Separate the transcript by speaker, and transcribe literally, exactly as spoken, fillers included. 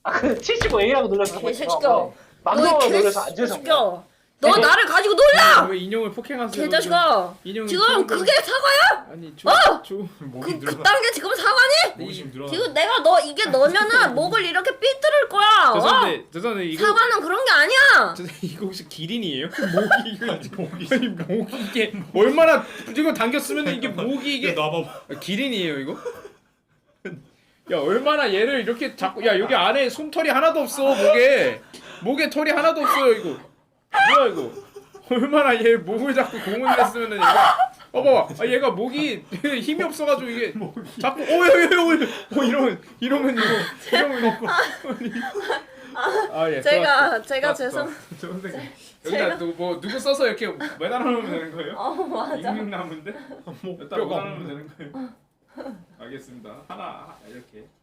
Speaker 1: 아, 그 칠십오 A라고 눌러서
Speaker 2: 개새끼야.
Speaker 1: 막노 눌러서 안 돼서.
Speaker 2: 개새끼야. 너 나를 가지고 놀라!
Speaker 3: 왜 인형을 폭행하세요?
Speaker 2: 개자식아.
Speaker 3: 인형이
Speaker 2: 지금
Speaker 3: 좀-
Speaker 2: 그게 사과야?
Speaker 3: 아니 조,
Speaker 2: 어!
Speaker 3: 조
Speaker 4: 목이
Speaker 2: 그,
Speaker 4: 늘어나.
Speaker 2: 그딴 게 지금 사과니?
Speaker 4: 목이 지금 늘어나.
Speaker 2: 지금 내가 너 이게 너면은 목을 이렇게 삐뚤을 거야. 어?
Speaker 3: 죄송한데 죄송한데 이거
Speaker 2: 사과는 그런 게 아니야.
Speaker 3: 죄송한데 이거 혹시 기린이에요? 목이 이거 목이 아니 목이 이게 얼마나 이거 당겼으면 이게 목이 이게
Speaker 4: 야, 놔봐봐.
Speaker 3: 아, 기린이에요 이거? 야 얼마나 얘를 이렇게 잡고 야 여기 안에 솜털이 하나도 없어 목에 목에 털이 하나도 없어요 이거 뭐야 이거 얼마나 얘 목을 잡고 공을 냈으면은 얘가 어 봐봐 아, 얘가 목이 힘이 없어가지고 이게 자꾸 어여여여 어, 이러면 이러면 이거 이러면 이거 아예
Speaker 2: 제가 제가 죄송.
Speaker 3: 선생님
Speaker 2: 제가-
Speaker 3: 여기다 또 뭐 누구 써서 이렇게 매달아 놓으면 되는 거예요?
Speaker 2: 어 맞아.
Speaker 3: 육육나무인데 여기다
Speaker 4: 뼈가
Speaker 3: 매달아 놓으면 되는 거예요? 알겠습니다 하나 이렇게